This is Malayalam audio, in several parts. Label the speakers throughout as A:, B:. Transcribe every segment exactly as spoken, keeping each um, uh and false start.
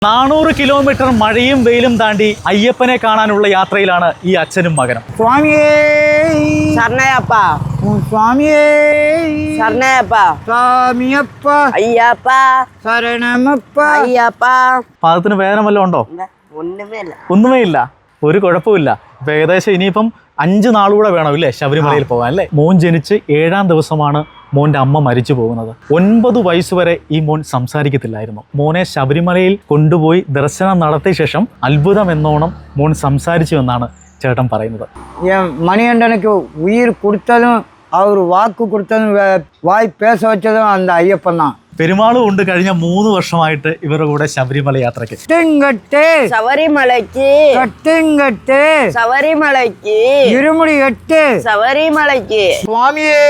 A: നാനൂറ് കിലോമീറ്റർ മഴയും വെയിലും താണ്ടി അയ്യപ്പനെ കാണാനുള്ള യാത്രയിലാണ് ഈ അച്ഛനും മകനും.
B: സ്വാമിയേ
C: ശരണയപ്പ
B: സ്വാമിയേ
C: ശരണയപ്പ
B: സ്വാമിയപ്പ
C: അയ്യപ്പ
B: ശരണമപ്പ
C: അയ്യപ്പ.
A: പാദത്തിന് വേദന വല്ലതും ഉണ്ടോ?
C: ഒന്നുമേ ഇല്ല.
A: ഒന്നുമേ ഇല്ല, ഒരു കുഴപ്പമില്ല. ഇപ്പൊ ഏകദേശം ഇനിയിപ്പം അഞ്ച് നാളുകൂടെ വേണം ഇല്ലേ ശബരിമലയിൽ പോകാൻ അല്ലേ? മോൻ ജനിച്ച് ഏഴാം ദിവസമാണ് മോൻ്റെ അമ്മ മരിച്ചു പോകുന്നത്. ഒൻപത് വയസ്സ് വരെ ഈ മോൻ സംസാരിക്കത്തില്ലായിരുന്നു. മോനെ ശബരിമലയിൽ കൊണ്ടുപോയി ദർശനം നടത്തിയ ശേഷം അത്ഭുതം എന്നോണം മോൻ സംസാരിച്ചു എന്നാണ് ചേട്ടൻ പറയുന്നത്.
B: மணிகண்டனுக்கு உயிர் கொடுத்ததும் அவர் வாக்கு கொடுத்ததும் வாய் பேச வச்சதும் அந்த ஐயப்பன் தான்.
A: പെരുമാളും ഉണ്ട് കഴിഞ്ഞ മൂന്ന് വർഷമായിട്ട് ഇവരുടെ കൂടെ ശബരിമല യാത്രയ്ക്ക്.
B: கட்டுங்கட்டு
C: ശബരിമലയ്ക്ക്
B: கட்டுங்கட்டு
C: ശബരിമലയ്ക്ക്
B: இருமுடி கட்டு
C: ശബരിമലയ്ക്ക്.
B: സ്വാമിയേ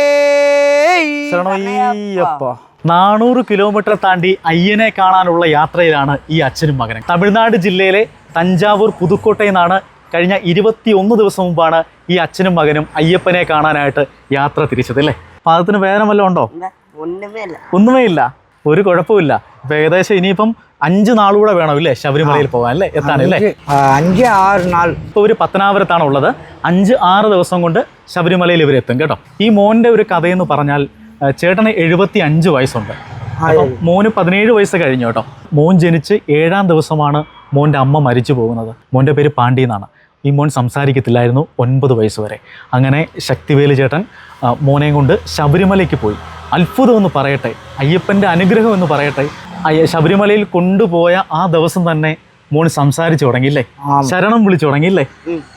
A: ശരണയ്യപ്പ. നാനൂറ് കിലോമീറ്റർ താണ്ടി അയ്യനെ കാണാനുള്ള യാത്രയിലാണ് ഈ അച്ഛനും മകനും. തമിഴ്നാട് ജില്ലയിലെ തഞ്ചാവൂർ പുതുക്കോട്ടയിൽ നിന്നാണ് കഴിഞ്ഞ ഇരുപത്തി ഒന്ന് ദിവസം മുമ്പാണ് ഈ അച്ഛനും മകനും അയ്യപ്പനെ കാണാനായിട്ട് യാത്ര തിരിച്ചത് അല്ലേ? പാദത്തിന് വേദന വല്ലതും ഉണ്ടോ?
C: ഒന്നുമേ ഇല്ല.
A: ഒന്നുമേ ഇല്ല, ഒരു കുഴപ്പമില്ല. ഇപ്പൊ ഏകദേശം ഇനിയിപ്പം അഞ്ച് നാളുകൂടെ വേണം ഇല്ലേ ശബരിമലയിൽ പോകാൻ അല്ലേ, എത്താനല്ലേ?
B: അഞ്ച് ആറ് നാൾ.
A: ഇപ്പോൾ ഒരു പത്തനാപുരത്താണ് ഉള്ളത്. അഞ്ച് ആറ് ദിവസം കൊണ്ട് ശബരിമലയിൽ ഇവരെത്തും കേട്ടോ. ഈ മോൻ്റെ ഒരു കഥയെന്ന് പറഞ്ഞാൽ ചേട്ടന് എഴുപത്തി അഞ്ച് വയസ്സുണ്ട്. അപ്പം മോന് പതിനേഴ് വയസ്സ് കഴിഞ്ഞു കേട്ടോ. മോൻ ജനിച്ച് ഏഴാം ദിവസമാണ് മോൻ്റെ അമ്മ മരിച്ചു പോകുന്നത്. മോൻ്റെ പേര് പാണ്ഡി എന്നാണ്. ഈ മോൻ സംസാരിക്കത്തില്ലായിരുന്നു ഒൻപത് വയസ്സ് വരെ. അങ്ങനെ ശക്തിവേലു ചേട്ടൻ മോനെയും കൊണ്ട് ശബരിമലയ്ക്ക് പോയി. അത്ഭുതം എന്ന് പറയട്ടെ, അയ്യപ്പൻ്റെ അനുഗ്രഹം എന്ന് പറയട്ടെ, ശബരിമലയിൽ കൊണ്ടുപോയ ആ ദിവസം തന്നെ മോൻ സംസാരിച്ചു തുടങ്ങിയില്ലേ, ശരണം വിളിച്ചു തുടങ്ങിയില്ലേ?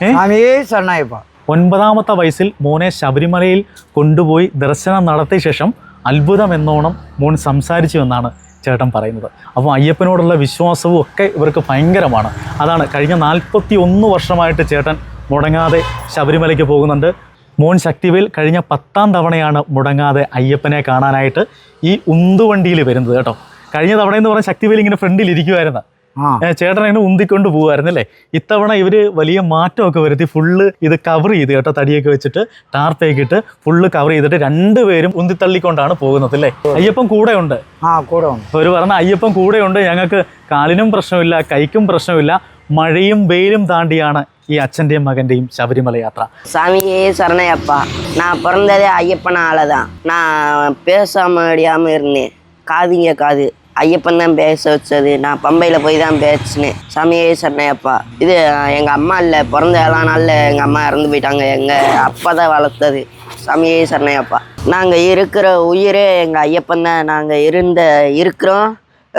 B: ശരണയ്യപ്പ.
A: ഒൻപതാമത്തെ വയസ്സിൽ മോനെ ശബരിമലയിൽ കൊണ്ടുപോയി ദർശനം നടത്തിയ ശേഷം അത്ഭുതം എന്നോണം മോൻ സംസാരിച്ചു എന്നാണ് ചേട്ടൻ പറയുന്നത്. അപ്പോൾ അയ്യപ്പനോടുള്ള വിശ്വാസവും ഒക്കെ ഇവർക്ക് ഭയങ്കരമാണ്. അതാണ് കഴിഞ്ഞ നാൽപ്പത്തി ഒന്ന് വർഷമായിട്ട് ചേട്ടൻ മുടങ്ങാതെ ശബരിമലയ്ക്ക് പോകുന്നുണ്ട്. മോൻ ശക്തിവേൽ കഴിഞ്ഞ പത്താം തവണയാണ് മുടങ്ങാതെ അയ്യപ്പനെ കാണാനായിട്ട് ഈ ഉന്തുവണ്ടിയിൽ വരുന്നത് കേട്ടോ. കഴിഞ്ഞ തവണയെന്ന് പറഞ്ഞാൽ ശക്തിവേൽ ഇങ്ങനെ ഫ്രണ്ടിൽ ഇരിക്കുമായിരുന്നു, ചേട്ടൻ അങ്ങനെ ഉന്തിക്കൊണ്ട് പോകുമായിരുന്നല്ലേ. ഇത്തവണ ഇവർ വലിയ മാറ്റമൊക്കെ വരുത്തി ഫുള്ള് ഇത് കവർ ചെയ്ത് കേട്ടോ, തടിയൊക്കെ വെച്ചിട്ട് ടാർപ്പൊക്കെ ഇട്ട് ഫുള്ള് കവർ ചെയ്തിട്ട് രണ്ടുപേരും ഉന്തിത്തള്ളിക്കൊണ്ടാണ് പോകുന്നത് അല്ലേ. അയ്യപ്പൻ കൂടെ ഉണ്ട്.
B: ആ കൂടെ ഉണ്ട്.
A: ഒരു പറഞ്ഞ അയ്യപ്പൻ കൂടെ ഉണ്ട്. ഞങ്ങൾക്ക് കാലിനും പ്രശ്നമില്ല, കൈക്കും പ്രശ്നമില്ല. മഴയും വെയിലും താണ്ടിയാണ് ഈ അച്ഛൻ്റെയും മകൻ്റെയും ശബരിമല യാത്ര.
C: சாமியே சரணயப்பா. நான் பிறந்ததே ஐயப்பனால தான். நான் பேச முடியாமல் இருந்தேன், காதுங்க காது ஐயப்பன் தான் பேச வச்சது. நான் பம்பையில் போய் தான் பேசினேன். சாமியே சரணயப்பா. இது எங்கள் அம்மா இல்லை, பிறந்த ஏழா நாளில் எங்கள் அம்மா இறந்து போயிட்டாங்க. எங்கள் அப்பா தான் வளர்த்தது. சாமியே சரணயப்பா. நாங்கள் இருக்கிற உயிரே எங்கள் ஐயப்பன் தான். நாங்கள் இருந்த இருக்கிறோம்,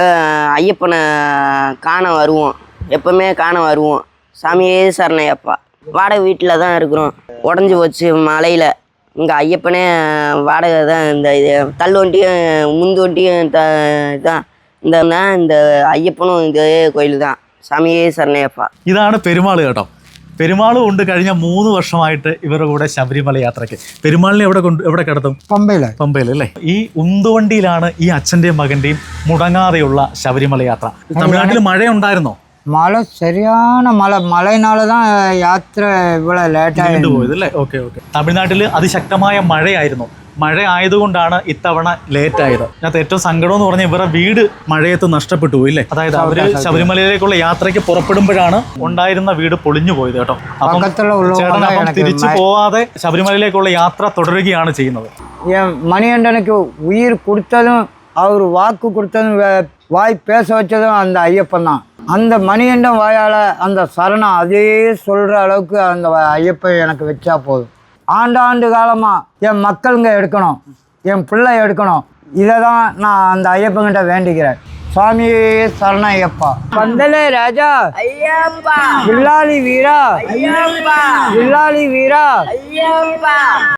C: ஐயப்பனை காண வருவோம், எப்பவுமே காண வருவோம். சாமியே சரணயப்பா. வாடகை வீட்டில் தான் இருக்கிறோம், உடஞ்சி போச்சு மலையில். இங்கே ஐயப்பனே வாடகை தான். இந்த இது தள்ளு வண்டியும் முந்து வண்டியும் த இதான் இந்த இந்த അയ്യപ്പനും ഇതേ കോയിൽ தான். സാമിയേ ശരണയപ്പ.
A: ഇതാണ് പെരുമാൾ കേട്ടോ. പെരുമാളും ഉണ്ട് കഴിഞ്ഞ മൂന്ന് വർഷമായിട്ട് ഇവരുടെ കൂടെ ശബരിമല യാത്രയ്ക്ക്. പെരുമാളിനെ എവിടെ കൊണ്ട് എവിടെ കിടത്തും?
B: പമ്പയില്.
A: പമ്പയിൽ അല്ലേ. ഈ ഉന്തുവണ്ടിയിലാണ് ഈ അച്ഛൻ്റെയും മകൻ്റെയും മുടങ്ങാതെയുള്ള ശബരിമല യാത്ര. തമിഴ്നാട്ടിൽ മഴയുണ്ടായിരുന്നോ?
B: മഴ ശരിയാണ്. മഴ മഴയിനാല தான் യാത്ര ഇവിടെ ലേറ്റായിട്ട്
A: പോയത് അല്ലേ. Okay okay. തമിഴ്നാട്ടിൽ അതിശക്തമായ മഴയായിരുന്നു. മഴ ആയതുകൊണ്ടാണ് ഇത്തവണ ലേറ്റ് ആയത്. അതിനകത്ത് ഏറ്റവും സങ്കടം എന്ന് പറഞ്ഞാൽ ഇവരുടെ വീട് മഴയത്ത് നഷ്ടപ്പെട്ടു പോയി അല്ലേ. അതായത് അവര് ശബരിമലയിലേക്കുള്ള യാത്രയ്ക്ക് പുറപ്പെടുമ്പോഴാണ് ഉണ്ടായിരുന്ന വീട് പൊളിഞ്ഞു പോയത് കേട്ടോ. അപ്പം ചേട്ടൻ അപ്പം തിരിച്ചു പോവാതെ ശബരിമലയിലേക്കുള്ള യാത്ര തുടരുകയാണ് ചെയ്യുന്നത്.
B: மணிகண்டனுக்கு உயிர் கொடுத்ததும் அவர் வாக்கு கொடுத்ததும் வாய் பேச வச்சதும் அந்த ஐயப்பன் தான். அந்த மணிகண்டம் வாயால் அந்த சரணம் அதே சொல்கிற அளவுக்கு அந்த ஐயப்பன் எனக்கு வச்சா போதும். ஆண்டாண்டு காலமாக என் மக்களுங்க எடுக்கணும், என் பிள்ளை எடுக்கணும். இதை தான் நான் அந்த ஐயப்பன்கிட்ட வேண்டிக்கிறேன். சுவாமியே சரண ஐயப்பா. பந்தலே ராஜா
C: ஐயப்பா.
B: வில்லாளி வீரா
C: ஐயப்பா.
B: வில்லாளி வீரா
C: ஐயப்பா.